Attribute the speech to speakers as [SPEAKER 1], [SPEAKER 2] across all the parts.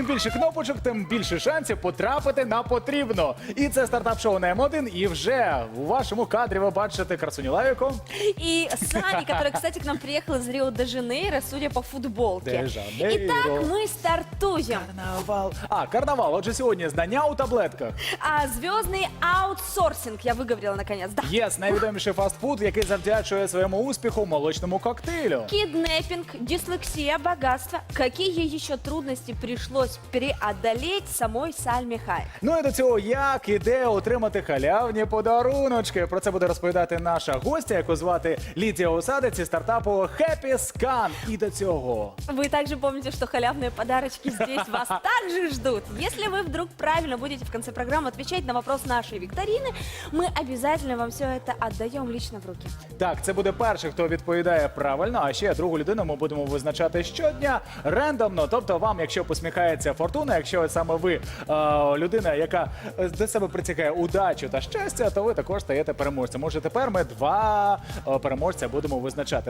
[SPEAKER 1] Чим більше кнопочок, тим більше шансів потрапити на потрібно. І це стартап-шоу на М1. І вже у вашому кадрі ви бачите красуню Лавіку.
[SPEAKER 2] И Сани, который, кстати, к нам приехал из Рио-де-Жанейро, судя по футболке.
[SPEAKER 1] Де-Жанейро.
[SPEAKER 2] Итак, мы стартуем.
[SPEAKER 1] Карнавал. Карнавал. Отже, сьогодні знання у таблетках.
[SPEAKER 2] А звездный аутсорсинг, я выговорила наконец, да.
[SPEAKER 1] Єс, найвідоміший фастфуд, який завдячує своєму успіху молочному коктейлю.
[SPEAKER 2] Киднеппинг, дислексия, богатство. Какие еще трудности пришлось преодолеть самой Сальме Хайек?
[SPEAKER 1] Ну і до цього, як і де отримати халявні подаруночки. Про це буде розповідати наша гостя, яку звати Лідія Осадець із стартапу Happy Scan. І до цього.
[SPEAKER 2] Вы также помните, что халявные подарочки здесь вас также ждут. Если вы вдруг правильно будете в конце программы отвечать на вопрос нашей викторины, мы обязательно вам все это отдаем лично в руки.
[SPEAKER 1] Так, це буде перший, хто відповідає правильно, а ще другу людину ми будемо визначати щодня рандомно. Тобто вам, якщо посміхається фортуна, якщо саме ви людина, яка до себе притягає удачу та щастя, то ви також стаєте переможцем. Може, тепер ми два переможця будемо визначати.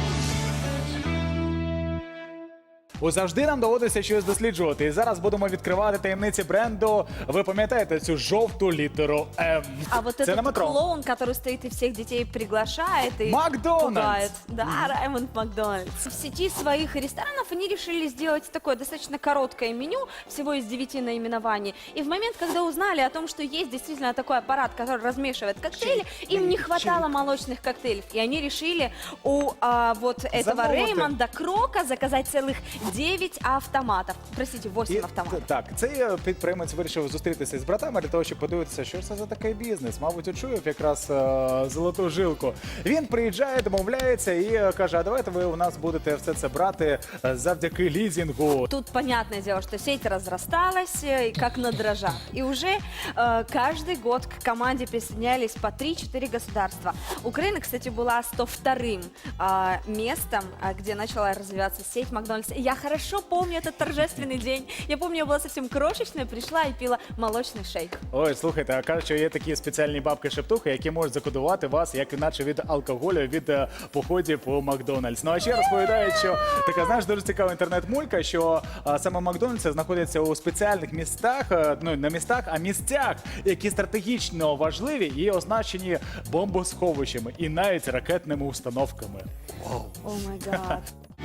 [SPEAKER 1] Завжди нам доводиться щось досліджувати. І зараз будемо відкривати таємниці бренду. Ви пам'ятаєте цю жовту літеру М?
[SPEAKER 2] А вот
[SPEAKER 1] Це на
[SPEAKER 2] этот
[SPEAKER 1] метро.
[SPEAKER 2] клоун, который стоит и всех детей приглашает и
[SPEAKER 1] Макдональдс.
[SPEAKER 2] пугает. Да, Раймонд Макдональдс. В сети своих ресторанов они решили сделать такое достаточно короткое меню, всего из 9 наименований. И в момент, когда узнали о том, что есть действительно такой аппарат, который размешивает коктейли, им не хватало молочных коктейлей. И они решили у вот этого
[SPEAKER 1] Замовити.
[SPEAKER 2] Реймонда Крока заказать целых 9 автоматов. Простите, 8 автоматов.
[SPEAKER 1] Так, цей підприємець вирішив зустрітися з братами для того, щоб подивитися, що ж це за такий бізнес. Мабуть, очуяв якраз золоту жилку. Він приїжджає, домовляється і каже, а давайте ви у нас будете все це брати завдяки лізінгу.
[SPEAKER 2] Тут понятное дело, что сеть разрасталась, как на дрожжах. И уже каждый год к команде присоединялись по 3-4 государства. Украина, кстати, была 102-м местом, где начала развиваться сеть Макдональдс. Я хорошо помню этот торжественный день. Я помню, я была совсем крошечная, пришла и пила молочный шейк.
[SPEAKER 1] Ой, слухайте, а кажуть, що є такі спеціальні бабки-шептухи, які можуть закодувати вас, як іначе від алкоголю, від походів по Макдональдс. Ну а ще розповідають, що така, знаєш, дуже цікава інтернет-мулька, що саме Макдональдс знаходиться у спеціальних містах, ну не містах, а місцях, які стратегічно важливі і означені бомбосховищами і навіть ракетними установками.
[SPEAKER 2] О май гад.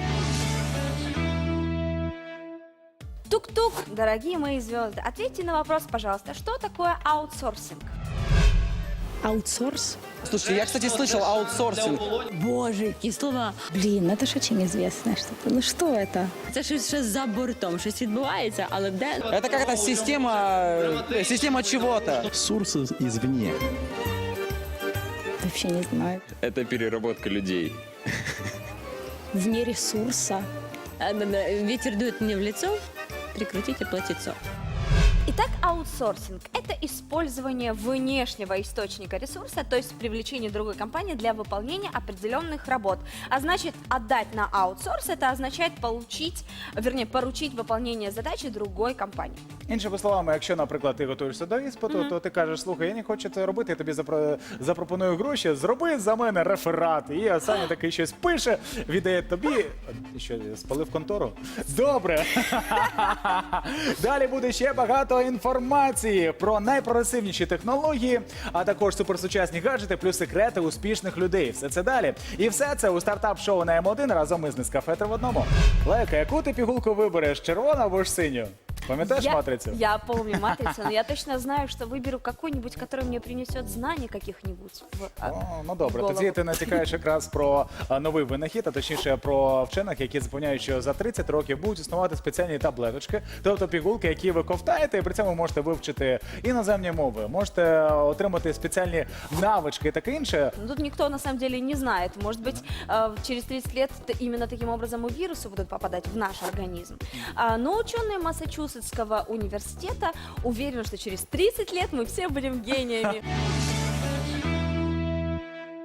[SPEAKER 2] Тук-тук, дорогие мои звезды, ответьте на вопрос, пожалуйста, что такое аутсорсинг?
[SPEAKER 3] Аутсорс?
[SPEAKER 4] Слушайте, я, кстати, слышал аутсорсинг.
[SPEAKER 3] Боже, які слова. Блін, это ж очень известное что-то. Ну что это?
[SPEAKER 5] Це щось за бортом, щось відбувається, але де?
[SPEAKER 4] Это какая-то система чего-то.
[SPEAKER 6] Сурс извне.
[SPEAKER 3] Вообще не знаю.
[SPEAKER 7] Это переработка людей.
[SPEAKER 3] Вне ресурса.
[SPEAKER 5] Ветер дует мне в лицо, прикрутите платьицо.
[SPEAKER 2] Итак, аутсорсинг – это использование внешнего источника ресурса, то есть привлечение другой компании для выполнения определенных работ. А значит, отдать на аутсорс – это означает получить, вернее, поручить выполнение задачи другой компании.
[SPEAKER 1] Іншими словами, якщо, наприклад, ти готуєшся до іспиту, то ти кажеш, слухай, я не хочу це робити, я тобі запропоную гроші, зроби за мене реферат. І Саня такий щось пише, віддає тобі. Що, спалив контору? Добре. Далі буде ще багато інформації про найпрогресивніші технології, а також суперсучасні гаджети, плюс секрети успішних людей. Все це далі. І все це у стартап-шоу на М1 разом із Нескафе в одному. Лека, яку ти пігулку вибереш, червону або ж синю? Пам'ятаєш матрицю?
[SPEAKER 2] Я помню матрицу, но я точно знаю, что выберу какой-нибудь, который мне принесет знаний каких-нибудь.
[SPEAKER 1] Ну добре, тоді ти натякаєш якраз про новий винахід, а точніше про вчених, які запевняють, що за 30 років будуть існувати спеціальні таблеточки, тобто пігулки, які ви ковтаєте, і при цьому можете вивчити іноземні мови, можете отримати спеціальні навички і таке інше.
[SPEAKER 2] Тут никто на самом деле не знает. Может быть, через 30 лет именно таким образом и вирусы будут попадать в наш организм. Но ученые Массачусетского университета уверены, что через 30 лет мы все будем гениями.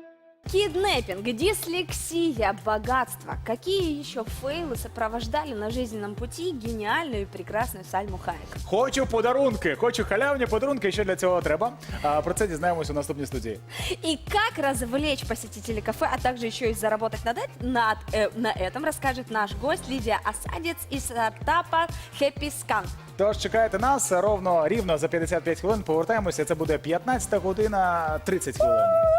[SPEAKER 2] Киднеппинг, дислексия, богатство. Какие еще фейлы сопровождали на жизненном пути гениальную и прекрасную Сальму Хайек?
[SPEAKER 1] Хочу подарунки, хочу халявні подарунки. Що для цього треба? Про це дізнаємось у наступній студії.
[SPEAKER 2] И как развлечь посетителей кафе, а также еще и заработать на этом, расскажет наш гость Лидия Осадец из стартапа Happy Scan.
[SPEAKER 1] Тож чекайте нас рівно за 55 хвилин. Повертаємося. Це буде 15 година 30 хвилин.